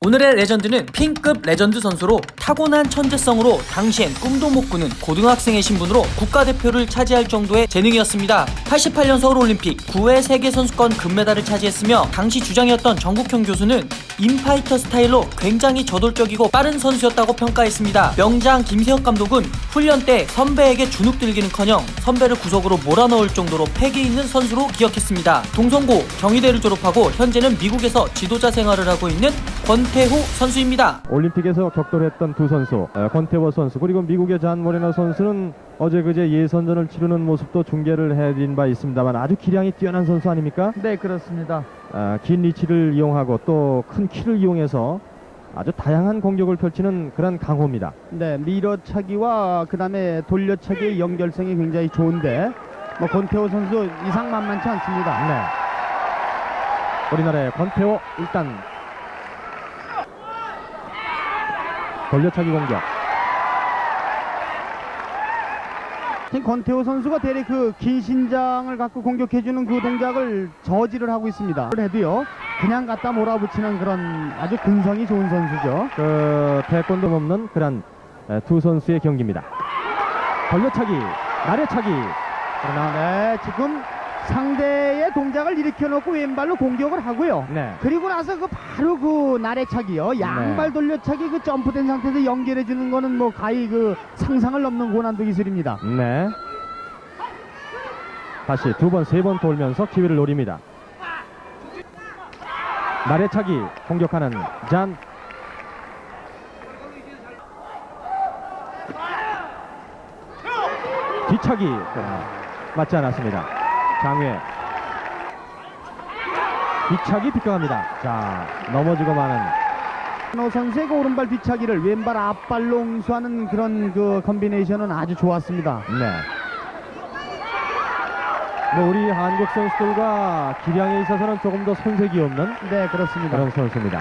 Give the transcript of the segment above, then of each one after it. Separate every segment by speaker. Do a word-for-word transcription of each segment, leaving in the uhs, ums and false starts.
Speaker 1: 오늘의 레전드는 P급 레전드 선수로 타고난 천재성으로 당시엔 꿈도 못 꾸는 고등학생의 신분으로 국가대표를 차지할 정도의 재능이었습니다. 팔십팔 년 서울올림픽 구 회 세계선수권 금메달을 차지했으며 당시 주장이었던 정국형 교수는 인파이터 스타일로 굉장히 저돌적이고 빠른 선수였다고 평가했습니다. 명장 김세혁 감독은 훈련 때 선배에게 주눅들기는커녕 선배를 구석으로 몰아넣을 정도로 패기 있는 선수로 기억했습니다. 동성고 경희대를 졸업하고 현재는 미국에서 지도자 생활을 하고 있는 권태호 선수입니다.
Speaker 2: 올림픽에서 격돌했던 두 선수, 권태호 선수 그리고 미국의 잔 모레노 선수는 어제 그제 예선전을 치르는 모습도 중계를 해드린 바 있습니다만 아주 기량이 뛰어난 선수 아닙니까?
Speaker 3: 네, 그렇습니다.
Speaker 2: 아, 긴 리치를 이용하고 또 큰 키를 이용해서 아주 다양한 공격을 펼치는 그런 강호입니다.
Speaker 3: 네, 밀어차기와 그 다음에 돌려차기의 연결성이 굉장히 좋은데 뭐 권태호 선수 이상 만만치 않습니다.
Speaker 2: 네. 우리나라의 권태호 일단 돌려차기 공격.
Speaker 3: 권태호 선수가 대략 그 긴 신장을 갖고 공격해주는 그 동작을 저지를 하고 있습니다. 그래도요, 그냥 갖다 몰아붙이는 그런 아주 근성이 좋은 선수죠.
Speaker 2: 그 태권도 없는 그런 두 선수의 경기입니다. 돌려차기, 나래차기.
Speaker 3: 그러나 네, 지금 상대의 동작을 일으켜놓고 왼발로 공격을 하고요.
Speaker 2: 네.
Speaker 3: 그리고 나서 그 바로 그 나래차기요, 양발
Speaker 2: 네.
Speaker 3: 돌려차기 그 점프된 상태에서 연결해주는 거는 뭐 가히 그 상상을 넘는 고난도 기술입니다.
Speaker 2: 네. 다시 두 번, 세 번 돌면서 기회를 노립니다. 나래차기 공격하는 잔. 뒤차기 맞지 않았습니다. 장외 뒤차기 빗겨갑니다. 자, 넘어지고 마는
Speaker 3: 노 선수의 그 오른발 뒤차기를 왼발 앞발로 응수하는 그런 그 컨비네이션은 아주 좋았습니다.
Speaker 2: 네. 뭐 우리 한국 선수들과 기량에 있어서는 조금 더 손색이 없는
Speaker 3: 네, 그렇습니다.
Speaker 2: 그런 선수입니다.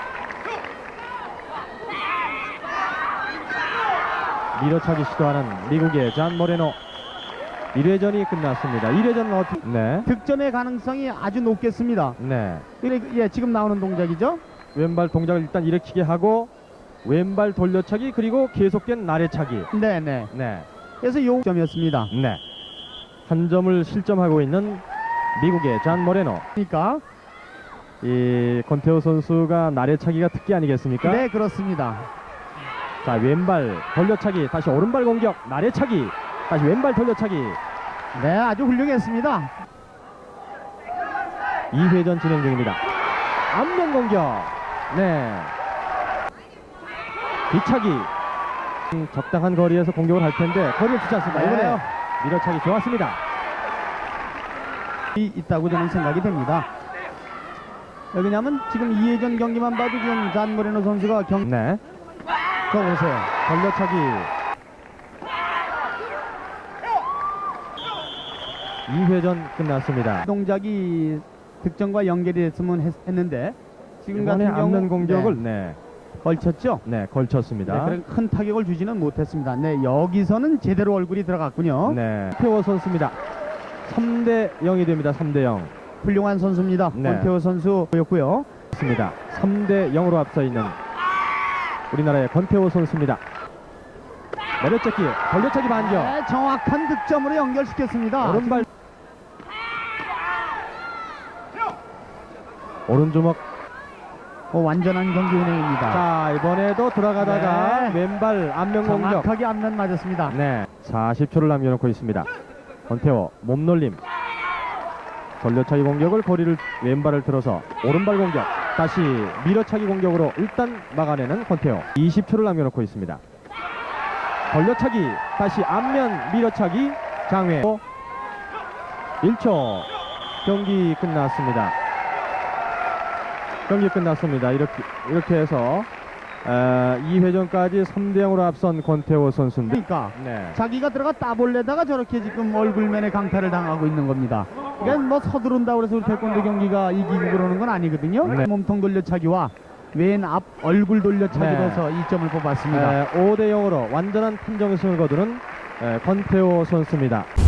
Speaker 2: 밀어차기 시도하는 미국의 잔 모레노. 일 회전이 끝났습니다. 일 회전은 어떻게? 네.
Speaker 3: 득점의 가능성이 아주 높겠습니다.
Speaker 2: 네.
Speaker 3: 예, 지금 나오는 동작이죠.
Speaker 2: 왼발 동작을 일단 일으키게 하고 왼발 돌려차기 그리고 계속된 나래차기.
Speaker 3: 네, 네.
Speaker 2: 네.
Speaker 3: 그래서 요 점이었습니다.
Speaker 2: 네. 한 점을 실점하고 있는 미국의 잔 모레노.
Speaker 3: 그러니까
Speaker 2: 이 권태호 선수가 나래차기가 특기 아니겠습니까?
Speaker 3: 네, 그렇습니다.
Speaker 2: 자, 왼발 돌려차기 다시 오른발 공격 나래차기 다시 왼발 돌려차기.
Speaker 3: 네, 아주 훌륭했습니다.
Speaker 2: 이 회전 진행 중입니다. 앞면 공격. 네. 뒤차기. 음, 적당한 거리에서 공격을 할 텐데 거리를 주지 않습니다.
Speaker 3: 네.
Speaker 2: 이번에 밀어차기 좋았습니다.
Speaker 3: 이 있다고 저는 생각이 됩니다. 왜냐하면 지금 이 회전 경기만 봐도 지금 잔 모레노 선수가 경...
Speaker 2: 네.
Speaker 3: 저 보세요.
Speaker 2: 돌려차기. 이 회전 끝났습니다.
Speaker 3: 동작이 득점과 연결이 됐으면 했, 했는데 지금
Speaker 2: 이번에
Speaker 3: 같은 경우
Speaker 2: 앞면 공격을
Speaker 3: 네,
Speaker 2: 네.
Speaker 3: 걸쳤죠.
Speaker 2: 네, 걸쳤습니다.
Speaker 3: 네, 그런 큰 타격을 주지는 못했습니다. 네, 여기서는 제대로 얼굴이 들어갔군요.
Speaker 2: 네. 태호 선수입니다. 삼 대 영이 됩니다. 삼 대 영.
Speaker 3: 훌륭한 선수입니다.
Speaker 2: 네.
Speaker 3: 권태호 선수였고요.
Speaker 2: 있습니다. 삼 대 영으로 앞서 있는 우리나라의 권태호 선수입니다. 내려찍기, 돌려차기 반격.
Speaker 3: 네, 정확한 득점으로 연결시켰습니다.
Speaker 2: 오른발 오른주먹.
Speaker 3: 어, 완전한 경기 운행입니다.
Speaker 2: 자, 이번에도 들어가다가
Speaker 3: 네.
Speaker 2: 왼발 앞면 공격.
Speaker 3: 정확하게 앞면 맞았습니다.
Speaker 2: 네, 사십 초를 남겨놓고 있습니다. 권태호 몸놀림. 돌려차기 공격을 거리를 왼발을 들어서 오른발 공격. 다시 밀어차기 공격으로 일단 막아내는 권태호. 이십 초를 남겨놓고 있습니다. 돌려차기 다시 앞면 밀어차기 장외. 일 초. 경기 끝났습니다. 경기 끝났습니다. 이렇게 이렇게 해서 어, 이 회전까지 삼 대 영으로 앞선 권태호 선수인데.
Speaker 3: 그러니까
Speaker 2: 네.
Speaker 3: 자기가 들어가 따볼래다가 저렇게 지금 얼굴면에 강타를 당하고 있는 겁니다. 그러니까 뭐 서두른다고 해서 우리 태권도 경기가 이기고 그러는 건 아니거든요.
Speaker 2: 네.
Speaker 3: 몸통 돌려차기와 왼 앞 얼굴 돌려차기로서
Speaker 2: 네.
Speaker 3: 이 점을 뽑았습니다.
Speaker 2: 오 대 영으로 완전한 판정승을 거두는 에, 권태호 선수입니다.